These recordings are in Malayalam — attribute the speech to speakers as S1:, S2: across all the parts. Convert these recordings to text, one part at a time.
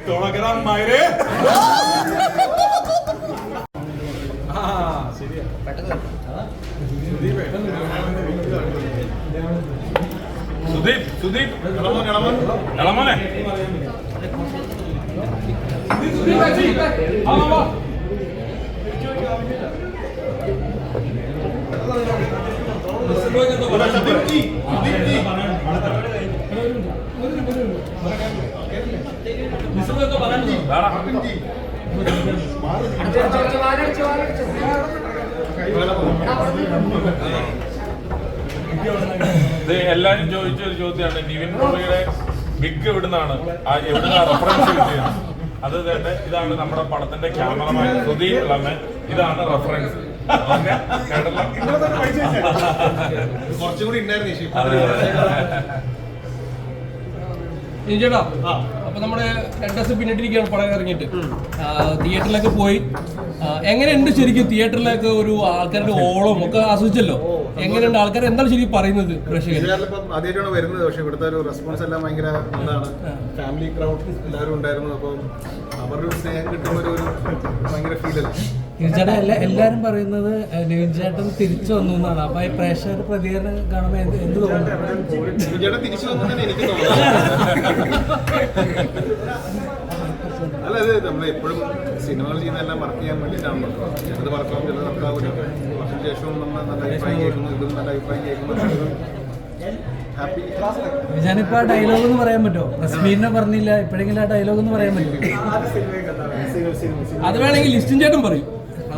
S1: തുടങ്ങാൻ മായരെ ശരിയാ സുദീപ് ഇളമോനെ എല്ലാരും ചോദിച്ചൊരു ചോദ്യമാണ് നിവിൻ പോളിയുടെ ബിഗ് എവിടുന്നാണ് റെഫറൻസ് കിട്ടിയത്. അത് തന്നെ ഇതാണ് നമ്മുടെ പടത്തിന്റെ ക്യാമറമാൻ സുധീർ ഇളമൻ. ഇതാണ് റെഫറൻസ്.
S2: കുറച്ചുകൂടി ഉണ്ടായിരുന്നു
S3: ചേട്ടാ. അപ്പൊ നമ്മുടെ 2 ദിവസം പിന്നിട്ടിരിക്കുകയാണ് പടം ഇറങ്ങിയിട്ട്. തിയേറ്ററിലൊക്കെ പോയി എങ്ങനെയുണ്ട് ശരിക്കും? തിയേറ്ററിലൊക്കെ ഒരു ആൾക്കാരുടെ ഓളം ഒക്കെ ആസ്വദിച്ചല്ലോ. എങ്ങനെയുണ്ട്? ആൾക്കാർ എന്താണ് ശരിക്കും പറയുന്നത്?
S2: ആദ്യമായിട്ടാണ് വരുന്നത്. പക്ഷെ ഇവിടുത്തെ ഒരു റെസ്പോൺസ് എല്ലാം ഭയങ്കര എന്താണ്, ഫാമിലി ക്രൗഡ് എല്ലാവരും ഉണ്ടായിരുന്നു. അപ്പം അവരുടെ ഒരു സ്നേഹം കിട്ടുന്ന ഒരു ഭയങ്കര ഫീലല്ലേ.
S4: ചേട്ടാ എല്ലാരും പറയുന്നത് നിവിൻ ചേട്ടൻ തിരിച്ചു വന്നു എന്നാണ്. അപ്പൊ ഈ പ്രേക്ഷകർ പ്രതികരണം കാണുമ്പോൾ എന്ത് തോന്നുന്നു?
S2: നിവിൻ ചേട്ടൻ തിരിച്ചു വന്നു തന്നെ എനിക്ക് തോന്നുന്നു. അല്ല, ഇത് നമ്മൾ എപ്പോഴും സിനിമകൾ ചെയ്യുന്നതെല്ലാം വർക്ക് ചെയ്യാൻ വേണ്ടിയിട്ടാണല്ലോ. ചിലത് വർക്കാവും, ചിലത് വർക്കാവില്ല. വർഷത്തിന് ശേഷവും നമ്മൾ നല്ല അഭിപ്രായം കേൾക്കുന്നു, ഇതും നല്ല അഭിപ്രായം കേൾക്കുന്നു. ഹാപ്പി.
S4: ഞാനിപ്പോ ആ ഡയലോഗ് എന്ന് പറയാൻ പറ്റുമോ? റസ്മീറിനെ പറഞ്ഞില്ല, ഇപ്പോഴെങ്കിലും ആ ഡയലോഗ് എന്ന് പറയാൻ പറ്റുമോ?
S3: അത് വേണമെങ്കിൽ ലിസ്റ്റും ചേട്ടൻ പറയും.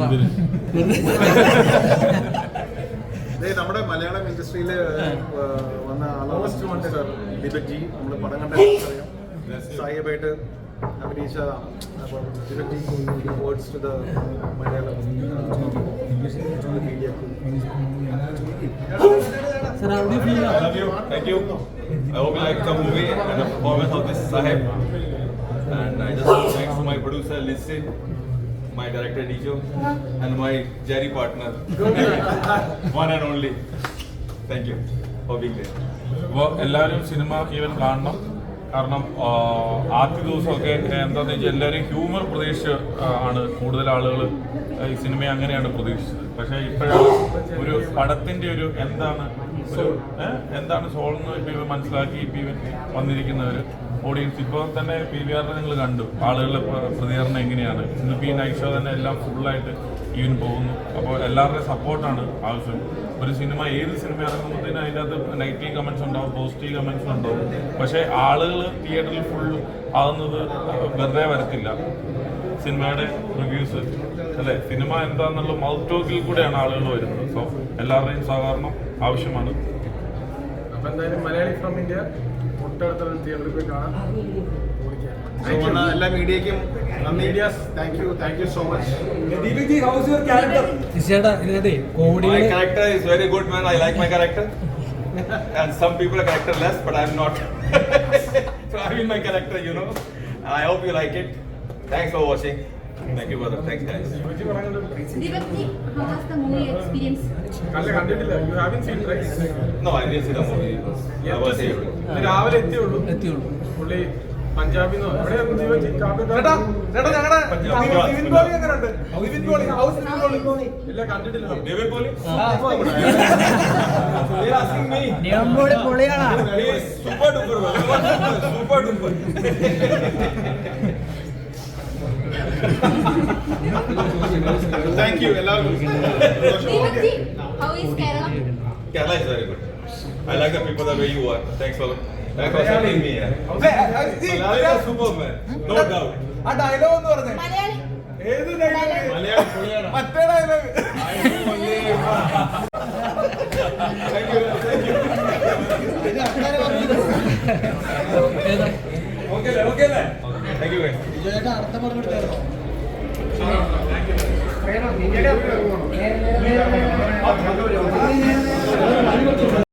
S2: നമ്മുടെ മലയാളം ഇൻഡസ്ട്രിയിൽ വന്ന ആളാണ് സാർ ദീപക് ജി. നമ്മൾ പടം കണ്ട അറിയാം. സായിബായിട്ട് അഭിനയിച്ച Deepak ji words to the Malayalam media.
S4: Sir, how do you feel?
S1: I love you. Thank you. I hope you like the movie and the performance of this Sahib. And I just thanks to my producer Lissin, my director Dijo, and my Jerry partner, one and only. Thank you for being there. അപ്പോൾ എല്ലാവരും സിനിമ ഈവൻ കാണണം. കാരണം ആദ്യ ദിവസമൊക്കെ എന്താണെന്ന് വെച്ചാൽ എല്ലാവരും ഹ്യൂമർ പ്രതീക്ഷിച്ച് ആണ് കൂടുതൽ ആളുകൾ ഈ സിനിമയെ അങ്ങനെയാണ് പ്രതീക്ഷിച്ചത്. പക്ഷേ ഇപ്പോഴാണ് ഒരു പടത്തിൻ്റെ ഒരു എന്താണ് സോളെന്ന് ഇപ്പോൾ ഇവ മനസ്സിലാക്കി ഇപ്പോൾ ഇവൻ വന്നിരിക്കുന്നവർ ഓഡിയൻസ്. ഇപ്പോൾ തന്നെ PVR നിങ്ങൾ കണ്ടു ആളുകളുടെ പ്രതികരണം എങ്ങനെയാണ്. ഇന്നിപ്പോൾ ഈ നൈറ്റ് ഷോ തന്നെ എല്ലാം ഫുള്ളായിട്ട് ഈവൻ പോകുന്നു. അപ്പോൾ എല്ലാവരുടെയും സപ്പോർട്ടാണ് ആവശ്യം. ഒരു സിനിമ ഏത് സിനിമ ഇറങ്ങുമ്പോഴത്തേനും അതിൻ്റെ അകത്ത് നെഗറ്റീവ് കമൻസ് ഉണ്ടാവും, പോസിറ്റീവ് കമൻസ് ഉണ്ടാവും. പക്ഷേ ആളുകൾ തിയേറ്ററിൽ ഫുൾ ആകുന്നത് വെറുതെ വരത്തില്ല. സിനിമയുടെ റിവ്യൂസ് അല്ലേ, സിനിമ എന്താണെന്നുള്ള മൗത്ത് ടോക്കിൽ കൂടെയാണ് ആളുകൾ വരുന്നത്. സോ എല്ലാവരുടെയും സഹകരണം ആവശ്യമാണ്.
S2: അപ്പം എന്തായാലും മലയാളി ഫ്രം ഇന്ത്യ തൊട്ടടുത്തുള്ള തിയേറ്ററിൽ പോയി കാണാം. എല്ലാ മീഡിയയ്ക്കും നന്ദി. Thank you so much.
S4: Deepak ji, how is your character? ചേട്ടാ ഇതിനകത്തെ comedy.
S1: My character is very good, man. I like my character. And some people are characterless, but I'm not. So I'm in my character, you know. And I hope you like it. Thanks for watching. Thank you, brother. Thanks, guys.
S5: Deepak ji, how was the movie experience?
S2: You haven't seen, right?
S1: No, I didn't see the movie. I was here.
S2: രാവിലെ എത്തിയുള്ളൂ. പുള്ളി പഞ്ചാബിന്നോ എവിടെയായിരുന്നു ദീപക് ജി? ഇല്ല, കണ്ടിട്ടില്ല.
S1: David Poli? Super duper, super duper.
S2: Thank you.
S5: Deepak ji, how is Kerala?
S1: Kerala is very good. I like the people the way you are. Thanks for supporting me. Malayali is super, man. No doubt.
S2: ആ ഡയലോഗ് എന്ന് പറഞ്ഞേ.
S5: Malayali.
S2: ഏത് ഡയലോഗ്? മലയാളി പൊളിയാണ്. മറ്റേ dialogue.
S1: Okay. Thank you, guys.
S4: ചേട്ടാ അടുത്ത പറഞ്ഞു കൊടുത്തായിരുന്നോ?
S2: Thank you.